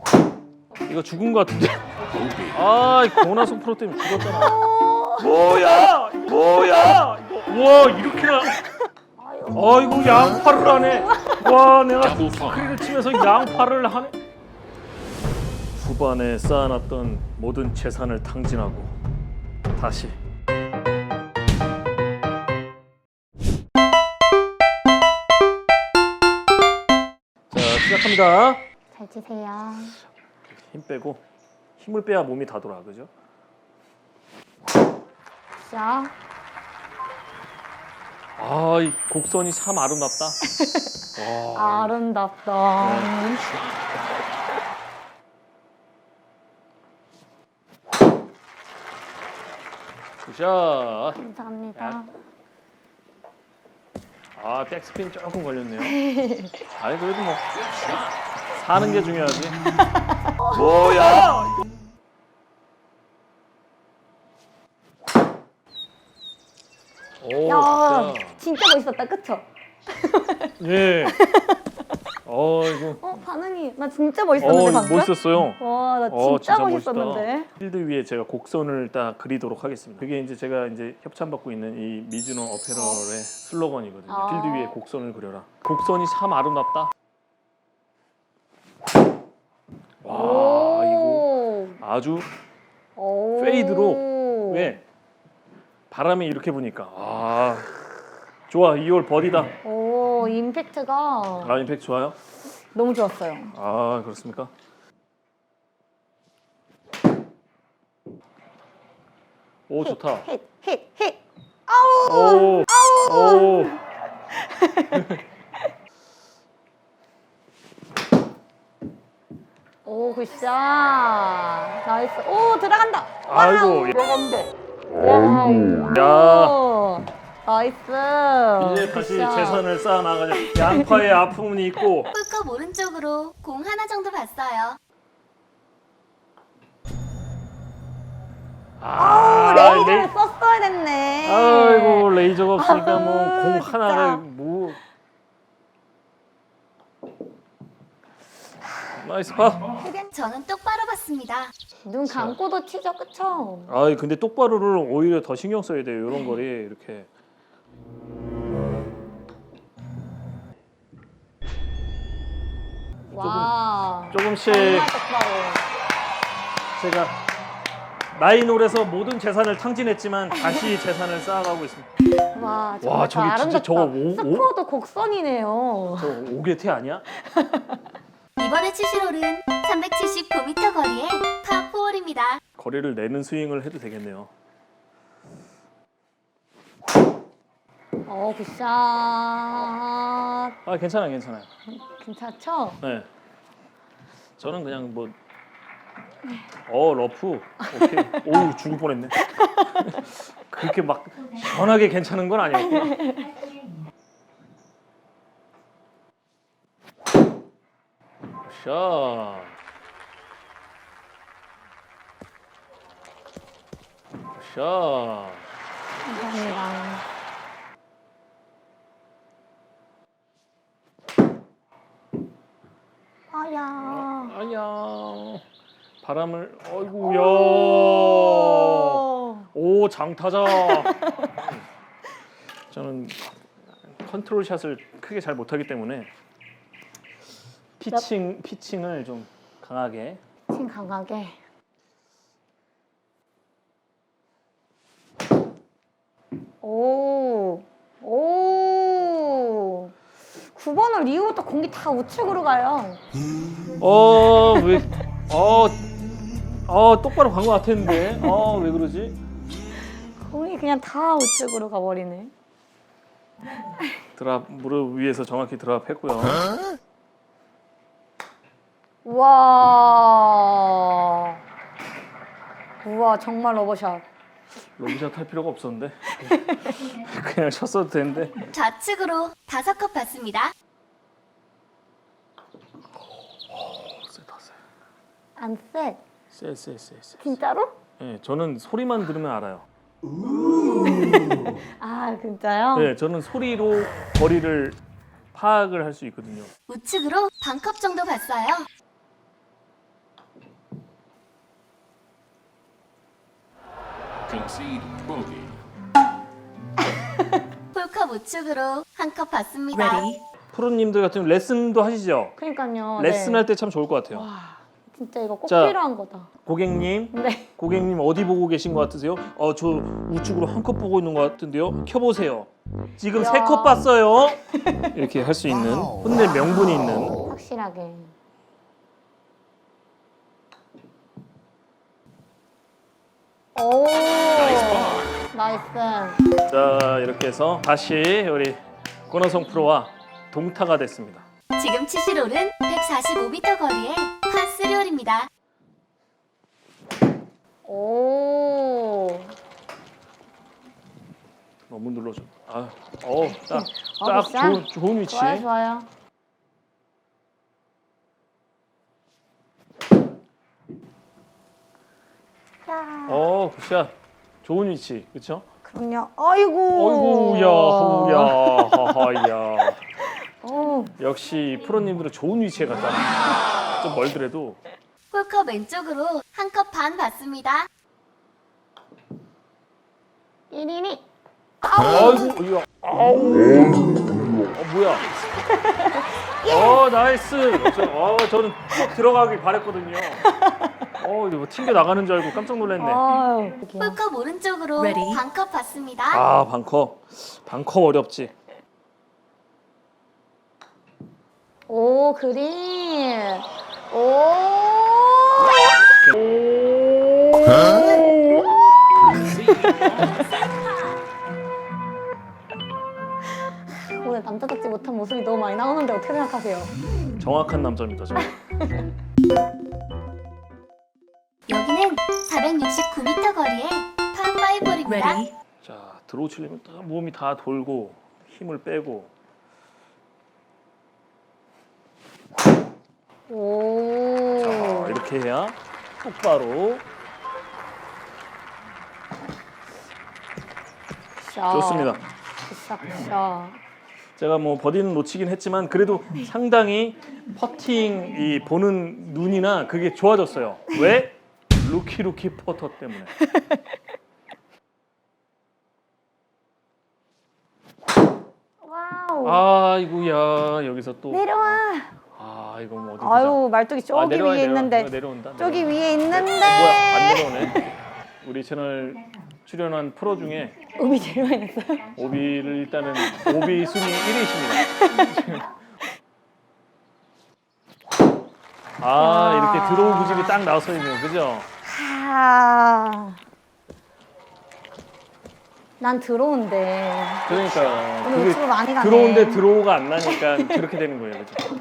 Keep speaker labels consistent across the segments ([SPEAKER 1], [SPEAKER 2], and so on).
[SPEAKER 1] 이거 죽은 거 같은데. 아, 고나성 프로 때문에 죽었잖아.
[SPEAKER 2] 뭐야?
[SPEAKER 1] 뭐야? 와, 이렇게나. 아이고, 양파를 하네. 와, 내가 스크린을 치면서 양파를 하네. 후반에 쌓아놨던 모든 재산을 탕진하고 다시. 자, 시작합니다.
[SPEAKER 3] 잘 치세요.
[SPEAKER 1] 힘 빼고 힘을 빼야 몸이 다 돌아, 그죠?
[SPEAKER 3] 자,
[SPEAKER 1] 아, 이 곡선이 참 아름답다. 와,
[SPEAKER 3] 아름답다.
[SPEAKER 1] 굿샷.
[SPEAKER 3] 감사합니다.
[SPEAKER 1] 아, 백스핀 조금 걸렸네요. 아니, 그래도 뭐 사는 게 중요하지.
[SPEAKER 2] 뭐야?
[SPEAKER 1] 오,
[SPEAKER 3] 야,
[SPEAKER 1] 진짜.
[SPEAKER 3] 진짜 멋있었다, 그쵸?
[SPEAKER 1] 예. 이거.
[SPEAKER 3] 반응이 나 진짜 멋있었는데 방금?
[SPEAKER 1] 멋있었어요.
[SPEAKER 3] 와, 나 진짜 멋있었는데.
[SPEAKER 1] 멋있다. 필드 위에 제가 곡선을 딱 그리도록 하겠습니다. 그게 이제 제가 이제 협찬받고 있는 이 미즈노 어페럴의 슬로건이거든요.
[SPEAKER 3] 아.
[SPEAKER 1] 필드 위에 곡선을 그려라. 곡선이 참 아름답다. 와, 이거 아주
[SPEAKER 3] 오.
[SPEAKER 1] 페이드로. 왜? 바람이 이렇게 부니까 좋아. 2홀 버디다.
[SPEAKER 3] 오, 임팩트가
[SPEAKER 1] 임팩트 좋아요?
[SPEAKER 3] 너무 좋았어요.
[SPEAKER 1] 그렇습니까? 오, 좋다.
[SPEAKER 3] 힛. 아우.
[SPEAKER 1] 오.
[SPEAKER 3] 오, 굿샷. 나이스. 오, 들어간다.
[SPEAKER 1] 아이고.
[SPEAKER 3] 들어간다.
[SPEAKER 1] 야.
[SPEAKER 3] 오, 나이스.
[SPEAKER 1] 이제 다시
[SPEAKER 3] 굿샷.
[SPEAKER 1] 재산을 쌓아 나가자. 양파에 아픔은 있고.
[SPEAKER 4] 꿀꺽 오른쪽으로 공 하나 정도 봤어요.
[SPEAKER 3] 레이저를 썼어야 됐네.
[SPEAKER 1] 아이고, 레이저가 없으니까 뭐 공
[SPEAKER 3] 진짜.
[SPEAKER 1] 하나를 뭐. 나이스 파.
[SPEAKER 4] 저는 똑바로 봤습니다.
[SPEAKER 3] 눈 감고도 치죠, 그쵸?
[SPEAKER 1] 근데 똑바로를 오히려 더 신경 써야 돼요. 이런 거리 이렇게.
[SPEAKER 3] 와.
[SPEAKER 1] 조금씩
[SPEAKER 3] 정말 똑바로.
[SPEAKER 1] 제가 나인홀에서 모든 재산을 탕진했지만 다시 재산을 쌓아가고 있습니다.
[SPEAKER 3] 와, 정말
[SPEAKER 1] 와, 저기 진짜
[SPEAKER 3] 아름답다.
[SPEAKER 1] 저거 오-
[SPEAKER 3] 스코어도 곡선이네요.
[SPEAKER 1] 저 5개태 아니야?
[SPEAKER 4] 이번에 치실 홀은 379m 거리의 파4홀입니다.
[SPEAKER 1] 거리를 내는 스윙을 해도 되겠네요.
[SPEAKER 3] 굿샷.
[SPEAKER 1] 괜찮아요.
[SPEAKER 3] 괜찮죠?
[SPEAKER 1] 네. 저는 그냥 뭐 러프. 오케이. 오우, 죽을 뻔했네. 그렇게 막 시원하게 괜찮은 건 아니었구나. 샷. 샷.
[SPEAKER 3] 감사합니다.
[SPEAKER 1] 아야. 바람을 어이구야.
[SPEAKER 3] 오.
[SPEAKER 1] 오, 장타자. 저는 컨트롤 샷을 크게 잘 못하기 때문에 피칭을 좀 강하게.
[SPEAKER 3] 팀 강하게. 오. 9번을 이후부터 공이 다 우측으로 가요.
[SPEAKER 1] 왜? 똑바로 간 것 같았는데. 왜 그러지?
[SPEAKER 3] 공이 그냥 다 우측으로 가버리네.
[SPEAKER 1] 드랍 무릎 위에서 정확히 드랍했고요.
[SPEAKER 3] 우와. 정말 러버샷.
[SPEAKER 1] 로비샷 할 필요가 없었는데 그냥 쳤어도 되는데.
[SPEAKER 4] 좌측으로 5컵 봤습니다.
[SPEAKER 1] 세다 세.
[SPEAKER 3] 안 쎄.
[SPEAKER 1] 세.
[SPEAKER 3] 진짜로?
[SPEAKER 1] 네, 저는 소리만 들으면 알아요.
[SPEAKER 3] 진짜요?
[SPEAKER 1] 네, 저는 소리로 거리를 파악을 할 수 있거든요.
[SPEAKER 4] 우측으로 반컵 정도 봤어요.
[SPEAKER 5] Concede bogey.
[SPEAKER 4] 홀컵 우측으로 한 컵 받습니다.
[SPEAKER 1] 프로님들 같은 경우 레슨도 하시죠?
[SPEAKER 3] 그러니까요.
[SPEAKER 1] 레슨할 때 참 좋을 것 같아요.
[SPEAKER 3] 와, 진짜 이거 꼭
[SPEAKER 1] 자.
[SPEAKER 3] 필요한 거다.
[SPEAKER 1] 고객님,
[SPEAKER 3] 네.
[SPEAKER 1] 고객님 어디 보고 계신 것 같으세요? 저 우측으로 한 컵 보고 있는 것 같은데요. 켜보세요. 지금
[SPEAKER 3] 야.
[SPEAKER 1] 3컵 봤어요. 이렇게 할 수 있는 혼내 명분이 있는.
[SPEAKER 3] 확실하게. 오. 나이스.
[SPEAKER 1] 자, 이렇게 해서 다시 우리 권호성 프로와 동타가 됐습니다.
[SPEAKER 4] 지금 치실 홀은 145m 거리의 파3홀입니다.
[SPEAKER 3] 오.
[SPEAKER 1] 너무 눌러줘. 딱
[SPEAKER 3] 굿샷.
[SPEAKER 1] 좋은 위치.
[SPEAKER 3] 좋아요, 좋아요. 자,
[SPEAKER 1] 굿샷. 좋은 위치, 그렇죠?
[SPEAKER 3] 그럼요. 아이고.
[SPEAKER 1] 하하야.
[SPEAKER 3] 오.
[SPEAKER 1] 역시 프로님들은 좋은 위치에 갔다. 좀 멀더라도.
[SPEAKER 4] 홀컵 왼쪽으로 한 컵 반 받습니다.
[SPEAKER 3] 이리니.
[SPEAKER 1] 아이고, 이거. 뭐야? 나이스. 저는 꼭 들어가길 바랬거든요. 이거 뭐 튕겨 나가는 줄 알고 깜짝 놀랐네.
[SPEAKER 3] 아유.
[SPEAKER 4] 홀컵 오른쪽으로 반 컵 받습니다.
[SPEAKER 1] 방커 어렵지.
[SPEAKER 3] 오, 그린. 오. 오늘 남자답지 못한 모습이 너무 많이 나오는데 어떻게 생각하세요?
[SPEAKER 1] 정확한 남자입니다, 저.
[SPEAKER 4] 여기는 469m 거리의 파5홀입니다.
[SPEAKER 1] 자, 드로우 치려면 딱 몸이 다 돌고 힘을 빼고.
[SPEAKER 3] 오.
[SPEAKER 1] 자, 이렇게 해야 똑바로. 좋습니다.
[SPEAKER 3] 굿샷.
[SPEAKER 1] 제가 뭐 버디는 놓치긴 했지만 그래도 상당히 퍼팅 이 보는 눈이나 그게 좋아졌어요. 왜? 루키 퍼터 때문에.
[SPEAKER 3] 와우.
[SPEAKER 1] 아이고야, 여기서 또.
[SPEAKER 3] 내려와.
[SPEAKER 1] 이거 뭐 어디
[SPEAKER 3] 아유, 말뚝이 저기
[SPEAKER 1] 내려와야
[SPEAKER 3] 위에
[SPEAKER 1] 돼요.
[SPEAKER 3] 있는데.
[SPEAKER 1] 이거 내려온다.
[SPEAKER 3] 저기
[SPEAKER 1] 내려온다.
[SPEAKER 3] 위에 있는데.
[SPEAKER 1] 뭐야, 안 내려오네. 우리 채널 출연한 프로 중에
[SPEAKER 3] 음이 제일 많이 났어요.
[SPEAKER 1] 오비를 일단은 오비 순위 1위십니다. 이렇게 드로우 구질이 딱 나와서 있네요, 그죠?
[SPEAKER 3] 난 들어온데.
[SPEAKER 1] 그러니까요.
[SPEAKER 3] 오늘 우측으로 많이 가네.
[SPEAKER 1] 들어온데 드로우가 안 나니까 그렇게 되는 거예요, 그죠?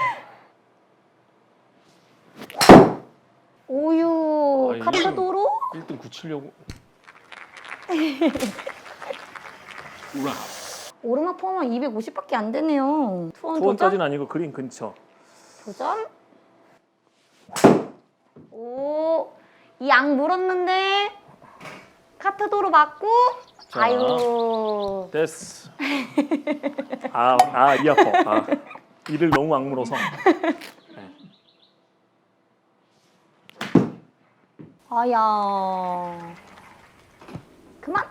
[SPEAKER 3] 오유.
[SPEAKER 1] 이거
[SPEAKER 3] 카트도로?
[SPEAKER 1] 1등 굳히려고.
[SPEAKER 3] 오르막 포함은 250밖에 안 되네요. 투원 도전?
[SPEAKER 1] 투원까지는 아니고 그린 근처.
[SPEAKER 3] 도전? 오. 이 양 물었는데. 카트도로 맞고.
[SPEAKER 1] 자.
[SPEAKER 3] 아유.
[SPEAKER 1] 됐어. 이 아파. 이를 너무 악물어서.
[SPEAKER 3] 아야. 그만.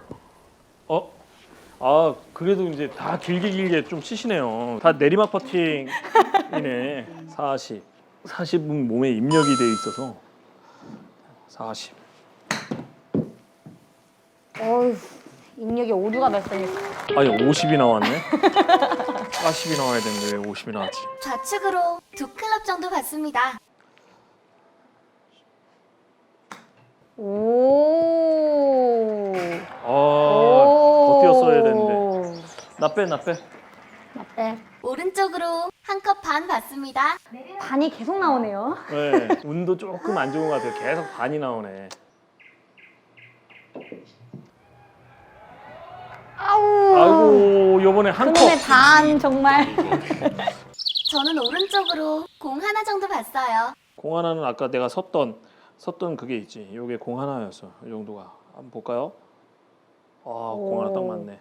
[SPEAKER 1] 그래도 이제 다 길게 좀 치시네요. 다 내리막 퍼팅이네. 40. 40은 몸에 입력이 돼 있어서 40.
[SPEAKER 3] 어휴. 입력이 오류가 발생했어.
[SPEAKER 1] 아니 50이 나왔네. 40이 나와야 되는데 왜 50이 나왔지?
[SPEAKER 4] 좌측으로 2클럽 정도 받습니다.
[SPEAKER 3] 오.
[SPEAKER 1] 더 뛰었어야 되는데. 나 빼.
[SPEAKER 3] 나 빼.
[SPEAKER 4] 오른쪽으로 한 컵 반 받습니다.
[SPEAKER 3] 반이 계속 나오네요.
[SPEAKER 1] 네, 운도 조금 안 좋은 것 같아요. 계속 반이 나오네.
[SPEAKER 3] 아우.
[SPEAKER 1] 아이고, 요번에 한 컵.
[SPEAKER 3] 그놈의 반 정말.
[SPEAKER 4] 저는 오른쪽으로 공 하나 정도 봤어요.
[SPEAKER 1] 공 하나는 아까 내가 섰던 그게 있지. 요게 공 하나였어. 이 정도가. 한번 볼까요? 공 하나 딱 맞네.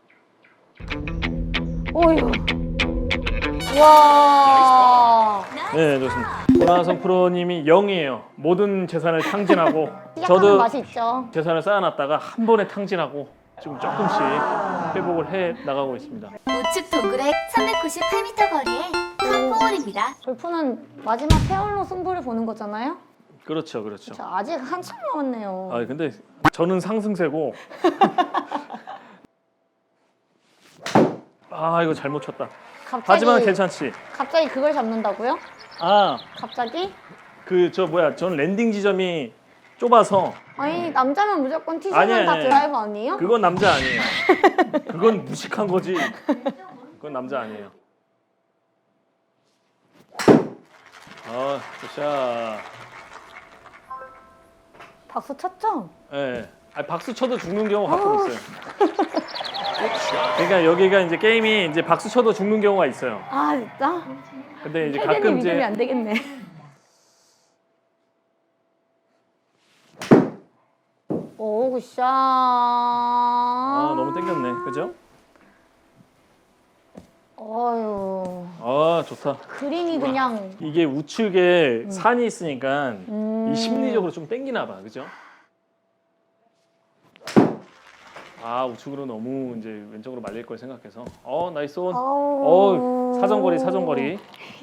[SPEAKER 3] 오유. 와.
[SPEAKER 1] 네, 좋습니다. 권하성 프로님이 0이에요. 모든 재산을 탕진하고
[SPEAKER 3] 시작하는
[SPEAKER 1] 저도
[SPEAKER 3] 맛이 있죠.
[SPEAKER 1] 재산을 쌓아놨다가 한 번에 탕진하고 지금 조금씩 회복을 해 나가고 있습니다.
[SPEAKER 4] 우측 도그렉 398m 거리에 파4홀입니다.
[SPEAKER 3] 골프는 마지막 페어로 승부를 보는 거잖아요.
[SPEAKER 1] 그렇죠, 그렇죠.
[SPEAKER 3] 저 아직 한참 남았네요.
[SPEAKER 1] 아 근데 저는 상승세고 아 이거 잘못 쳤다.
[SPEAKER 3] 갑자기,
[SPEAKER 1] 하지만 괜찮지.
[SPEAKER 3] 갑자기 그걸 잡는다고요?
[SPEAKER 1] 아
[SPEAKER 3] 갑자기?
[SPEAKER 1] 그 저 뭐야? 전 랜딩 지점이 좁아서
[SPEAKER 3] 아니 남자면 무조건 티셔츠
[SPEAKER 1] 아니,
[SPEAKER 3] 다
[SPEAKER 1] 아니.
[SPEAKER 3] 드라이버 아니에요?
[SPEAKER 1] 그건 남자 아니에요. 그건 무식한 거지. 그건 남자 아니에요. 아, 굿샷.
[SPEAKER 3] 박수 쳤죠?
[SPEAKER 1] 예. 아, 박수 쳐도 죽는 경우 가끔 있어요. 그러니까 여기가 이제 게임이 이제 박수 쳐도 죽는 경우가 있어요.
[SPEAKER 3] 아 진짜?
[SPEAKER 1] 근데 이제
[SPEAKER 3] 혜진이
[SPEAKER 1] 가끔
[SPEAKER 3] 믿음이
[SPEAKER 1] 이제
[SPEAKER 3] 안 되겠네. 오 굿샷.
[SPEAKER 1] 아, 너무 땡겼네. 그죠?
[SPEAKER 3] 어휴.
[SPEAKER 1] 아, 좋다.
[SPEAKER 3] 그린이 그냥
[SPEAKER 1] 이게 우측에 산이 있으니까
[SPEAKER 3] 음.
[SPEAKER 1] 이 심리적으로 좀 땡기나 봐. 그죠? 아, 우측으로 너무 이제 왼쪽으로 말릴 걸 생각해서. 나이스 온.
[SPEAKER 3] 아우.
[SPEAKER 1] 사정거리.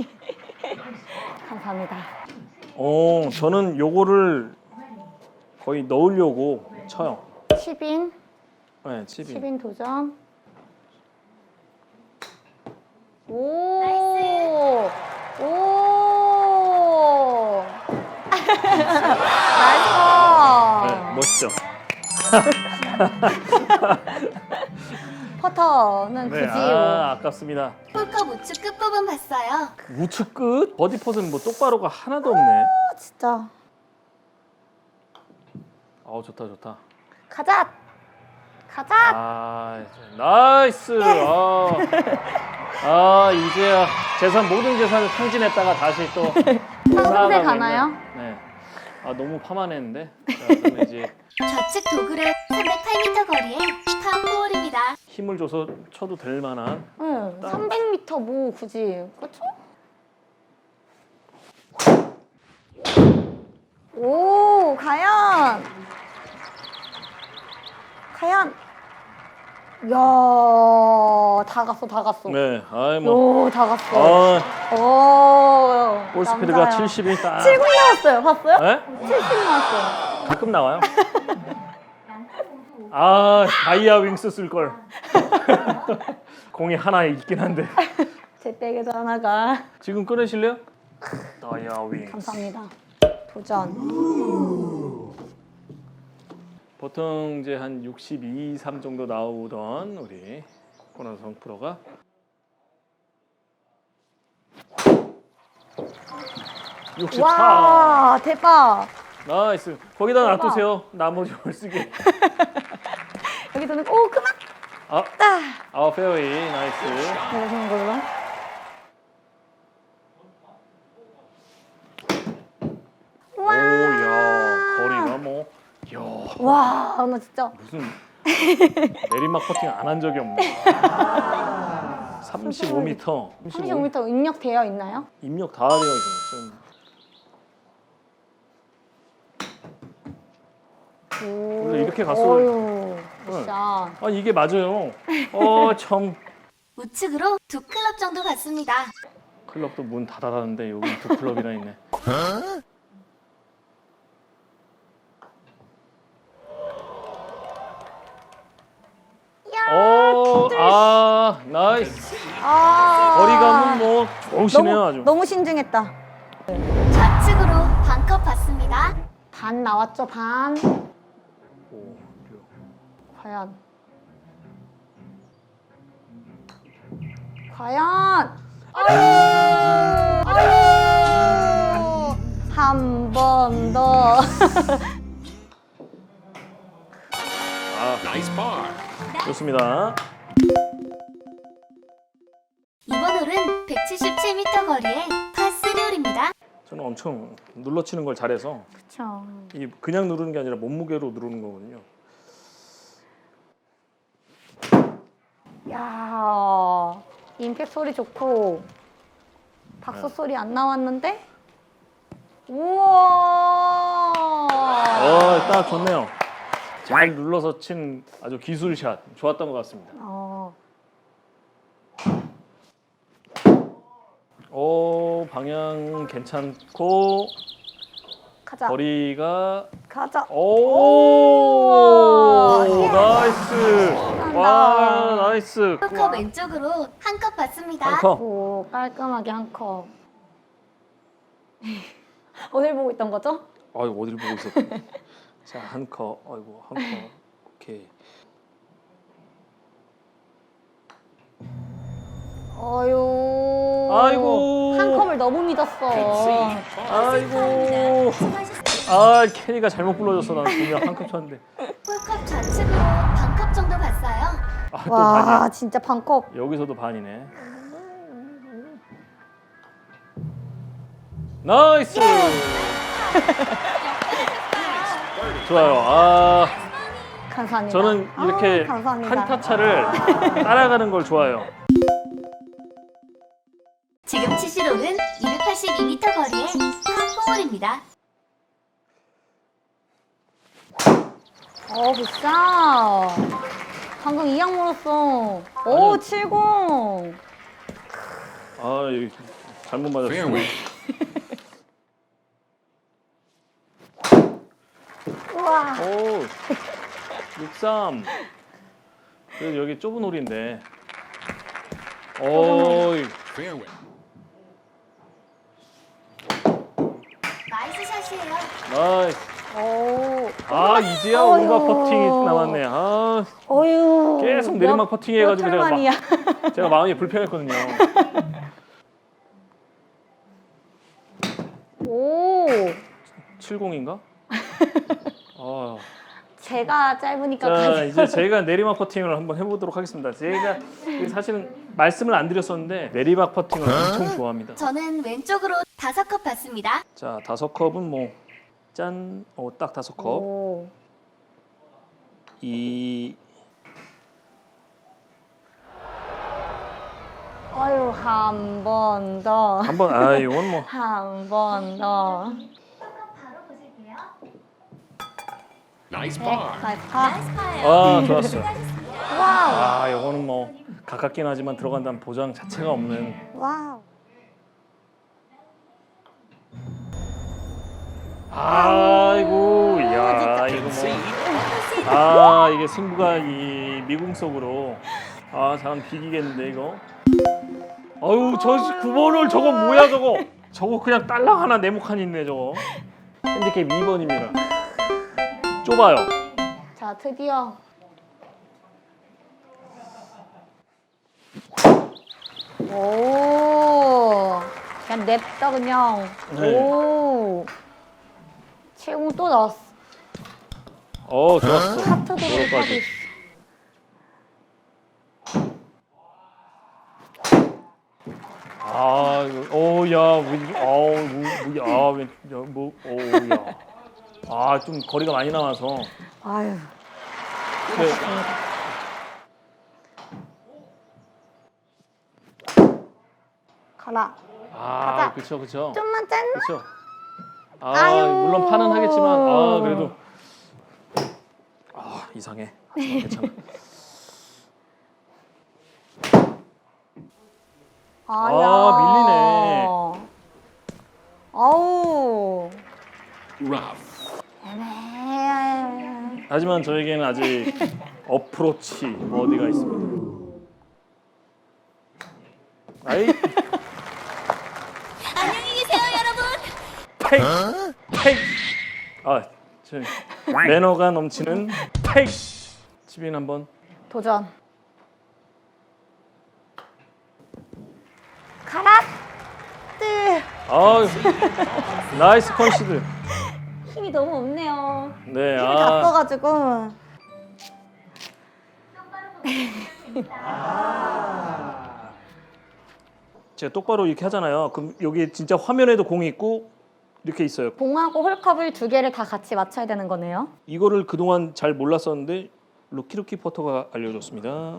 [SPEAKER 3] 감사합니다.
[SPEAKER 1] 저는 요거를 거의 넣으려고 쳐요.
[SPEAKER 3] 10인
[SPEAKER 1] 네, 칩이.
[SPEAKER 3] 10인 도전. 오. 오. 나이스.
[SPEAKER 1] 네, 멋있죠.
[SPEAKER 3] 퍼터는
[SPEAKER 1] 네,
[SPEAKER 3] 굳이
[SPEAKER 1] 아깝습니다.
[SPEAKER 4] 홀컵 우측 끝부분 봤어요.
[SPEAKER 1] 우측 끝 버디 퍼스는 뭐 똑바로가 하나도 없네.
[SPEAKER 3] 진짜
[SPEAKER 1] 좋다.
[SPEAKER 3] 가자.
[SPEAKER 1] 아, 나이스. 이제야 모든 재산을 탕진했다가 다시 또
[SPEAKER 3] 상승세
[SPEAKER 1] 쌓아가고
[SPEAKER 3] 가나요?
[SPEAKER 1] 있는. 네. 너무 파만했는데. 자, 그러면 이제
[SPEAKER 4] 좌측 도그렉 308m 거리에 파4홀입니다.
[SPEAKER 1] 힘을 줘서 쳐도 될 만한.
[SPEAKER 3] 응. 300m 뭐 굳이 그렇죠? 오 과연. 야, 다 갔어.
[SPEAKER 1] 네, 뭐.
[SPEAKER 3] 오, 다 갔어. 오,
[SPEAKER 1] 볼 스피드가
[SPEAKER 3] 남자야.
[SPEAKER 1] 70이 딱.
[SPEAKER 3] 70 나왔어요. 봤어요?
[SPEAKER 1] 네?
[SPEAKER 3] 70 나왔어요.
[SPEAKER 1] 가끔 나와요. 다이아 윙스 쓸 걸. 공이 하나 있긴 한데.
[SPEAKER 3] 제 백에도 하나가.
[SPEAKER 1] 지금 꺼내실래요? 다이아 윙스.
[SPEAKER 3] 감사합니다. 도전.
[SPEAKER 1] 보통 이제 한 62, 3 정도 나오던 우리 권하성 프로가 64.
[SPEAKER 3] 와, 대박.
[SPEAKER 1] 나이스. 거기다
[SPEAKER 3] 대박.
[SPEAKER 1] 놔두세요. 나머지 걸 쓰게.
[SPEAKER 3] 여기서는 오, 그만.
[SPEAKER 1] 페어웨이. 나이스.
[SPEAKER 3] 내려주는 걸로.
[SPEAKER 1] 야, 거리가 뭐. 야,
[SPEAKER 3] 와, 나 진짜.
[SPEAKER 1] 무슨 내리막 퍼팅 안 한 적이 없네. 35m.
[SPEAKER 3] 35m 입력되어 있나요?
[SPEAKER 1] 입력 다 되어 있어요. 원래 이렇게 갔어요.
[SPEAKER 3] 어휴, 굿샷.
[SPEAKER 1] 이게 맞아요. 참.
[SPEAKER 4] 우측으로 2클럽 정도 갔습니다.
[SPEAKER 1] 클럽도 문 닫아놨는데 여기 2클럽이나 있네. 나이스. 거리감은 뭐 좋으시네요. 아주.
[SPEAKER 3] 너무 신중했다.
[SPEAKER 4] 좌측으로 반컵 봤습니다.
[SPEAKER 3] 반 나왔죠, 반.
[SPEAKER 1] 오,
[SPEAKER 3] 과연. 한 번 더.
[SPEAKER 2] Nice par.
[SPEAKER 1] 좋습니다.
[SPEAKER 4] 이번 홀은 177m 거리에 파3홀입니다.
[SPEAKER 1] 저는 엄청 눌러치는 걸 잘해서
[SPEAKER 3] 그쵸.
[SPEAKER 1] 이 그냥 누르는 게 아니라 몸무게로 누르는 거거든요.
[SPEAKER 3] 야, 임팩 소리 좋고 박수 소리 안 나왔는데? 우와.
[SPEAKER 1] 딱 좋네요. 잘 눌러서 친 아주 기술샷 좋았던 것 같습니다. 방향 괜찮고
[SPEAKER 3] 가자.
[SPEAKER 1] 거리가
[SPEAKER 3] 가자.
[SPEAKER 1] 오,
[SPEAKER 3] 예.
[SPEAKER 1] 나이스. 와, 나이스.
[SPEAKER 4] 컵 왼쪽으로 한 컵 받습니다.
[SPEAKER 1] 한 컵.
[SPEAKER 3] 오, 깔끔하게 한 컵. 어딜 보고 있던 거죠?
[SPEAKER 1] 아이고 어디를 보고 있었지? 자, 한 컵. 아이고, 한 컵. 오케이.
[SPEAKER 3] 어유.
[SPEAKER 1] 아이고.
[SPEAKER 3] 한 컵을 너무 믿었어.
[SPEAKER 1] 아이고. 캐리가 잘못 불러줬어. 나는 분명 한 컵 쳤는데.
[SPEAKER 4] 홀컵 좌측으로 반 컵 정도 갔어요.
[SPEAKER 1] 또
[SPEAKER 3] 와,
[SPEAKER 1] 반이야.
[SPEAKER 3] 진짜 반 컵.
[SPEAKER 1] 여기서도 반이네. 나이스. 좋아요.
[SPEAKER 3] 감사합니다.
[SPEAKER 1] 저는 이렇게
[SPEAKER 3] 감사합니다.
[SPEAKER 1] 한타 차를 따라가는 걸 좋아해요.
[SPEAKER 4] 지금 치실 홀은 282m 거리의 한4홀입니다.
[SPEAKER 3] 굿샷. 방금 이악 물었어. 오,
[SPEAKER 1] 아니요.
[SPEAKER 3] 70.
[SPEAKER 1] 여기 잘못 맞았어.
[SPEAKER 3] 우와.
[SPEAKER 1] 오, 63. 그래도 여기 좁은 홀인데.
[SPEAKER 4] 나이스 샷이에요.
[SPEAKER 1] 나이스.
[SPEAKER 3] 오.
[SPEAKER 1] 이제야 오르막 퍼팅이 남았네.
[SPEAKER 3] 어유.
[SPEAKER 1] 계속 내리막 퍼팅 해가지고
[SPEAKER 3] 몇 만이야.
[SPEAKER 1] 제가 마음이 불편했거든요.
[SPEAKER 3] 오.
[SPEAKER 1] 70인가?
[SPEAKER 3] 제가 짧으니까
[SPEAKER 1] 자,
[SPEAKER 3] 가져가요.
[SPEAKER 1] 이제 제가 내리막 퍼팅을 한번 해보도록 하겠습니다. 제가 사실은 말씀을 안 드렸었는데 내리막 퍼팅을 엄청 좋아합니다.
[SPEAKER 4] 저는 왼쪽으로 5컵 받습니다.
[SPEAKER 1] 자, 5컵은 뭐 짠, 딱 5컵.
[SPEAKER 3] 오. 아유, 한 번 더.
[SPEAKER 1] 한번 이건 뭐
[SPEAKER 3] 한 번 더.
[SPEAKER 4] 바로 보실게요.
[SPEAKER 3] 나이스 파.
[SPEAKER 4] 나이스 파예요.
[SPEAKER 1] 좋았어.
[SPEAKER 3] 와우.
[SPEAKER 1] 이거는 뭐 가깝긴 하지만 들어간다는 보장 자체가 없는.
[SPEAKER 3] 와우.
[SPEAKER 1] 아이고, 야, 이거 뭐. 이게 승부가 이 미궁석으로. 사람 비기겠는데 이거. 저 9번을 저거 뭐야 저거. 저거 그냥 딸랑 하나 네모칸 있네 저거. 핸디캡 2번입니다. 좁아요.
[SPEAKER 3] 자, 드디어. 오. 그냥 냅다 그냥.
[SPEAKER 1] 네.
[SPEAKER 3] 오. 최고 또 나왔어.
[SPEAKER 1] 좋았어.
[SPEAKER 3] 하트 도로
[SPEAKER 1] 여기까지. 좀 거리가 많이 남아서.
[SPEAKER 3] 아유.
[SPEAKER 1] 네.
[SPEAKER 3] 가라. 가자.
[SPEAKER 1] 그쵸.
[SPEAKER 3] 좀만 짠.
[SPEAKER 1] 그쵸.
[SPEAKER 3] 아유.
[SPEAKER 1] 물론 파는 하겠지만, 그래도. 이상해. 괜찮아. 밀리네.
[SPEAKER 3] 아우. 애매해.
[SPEAKER 1] 하지만 저에게는 아직 어프로치 버디가 있습니다.
[SPEAKER 4] 안녕히 계세요, 여러분.
[SPEAKER 1] 페이. 저 매너가 넘치는 페이. 지빈 한번.
[SPEAKER 3] 도전. 가라. 뜨.
[SPEAKER 1] 나이스 컨시드.
[SPEAKER 3] 힘이 너무 없네요.
[SPEAKER 1] 네,
[SPEAKER 3] 힘을 다 써가지고.
[SPEAKER 1] 제가 똑바로 이렇게 하잖아요. 그럼 여기 진짜 화면에도 공이 있고 이렇게 있어요.
[SPEAKER 3] 공하고 홀컵을 두 개를 다 같이 맞춰야 되는 거네요.
[SPEAKER 1] 이거를 그동안 잘 몰랐었는데 루키 포터가 알려줬습니다.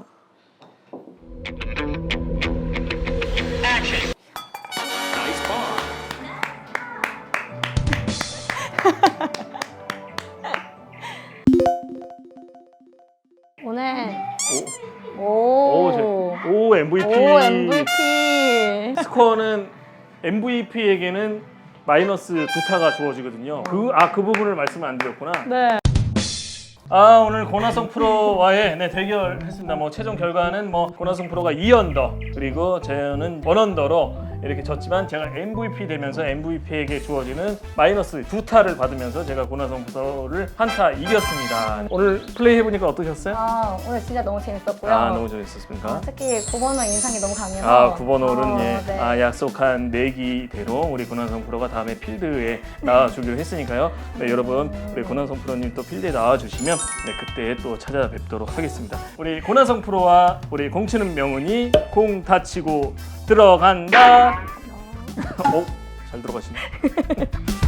[SPEAKER 1] 스코어는 MVP에게는 마이너스 2타가 주어지거든요. 그 부분을 말씀을 안 드렸구나.
[SPEAKER 3] 네.
[SPEAKER 1] 오늘 고나성 프로와의 대결 했습니다. 최종 결과는 고나성 프로가 2언더 그리고 저는 1언더로 이렇게 졌지만 제가 MVP 되면서 MVP에게 주어지는 마이너스 2타를 받으면서 제가 고나성 프로를 1타 이겼습니다. 오늘 플레이 해보니까 어떠셨어요?
[SPEAKER 3] 오늘 진짜 너무 재밌었고요.
[SPEAKER 1] 너무 재밌었습니까?
[SPEAKER 3] 특히 9번 홀 인상이 너무 강해서
[SPEAKER 1] 9번 홀은
[SPEAKER 3] 네.
[SPEAKER 1] 약속한 내기대로 우리 고난성 프로가 다음에 필드에 나와주기로 했으니까요. 네, 여러분 우리 고난성 프로님 또 필드에 나와주시면 그때 또 찾아뵙도록 하겠습니다. 우리 고난성 프로와 우리 공치는 명운이 공 다치고 들어간다. 잘 들어가시네.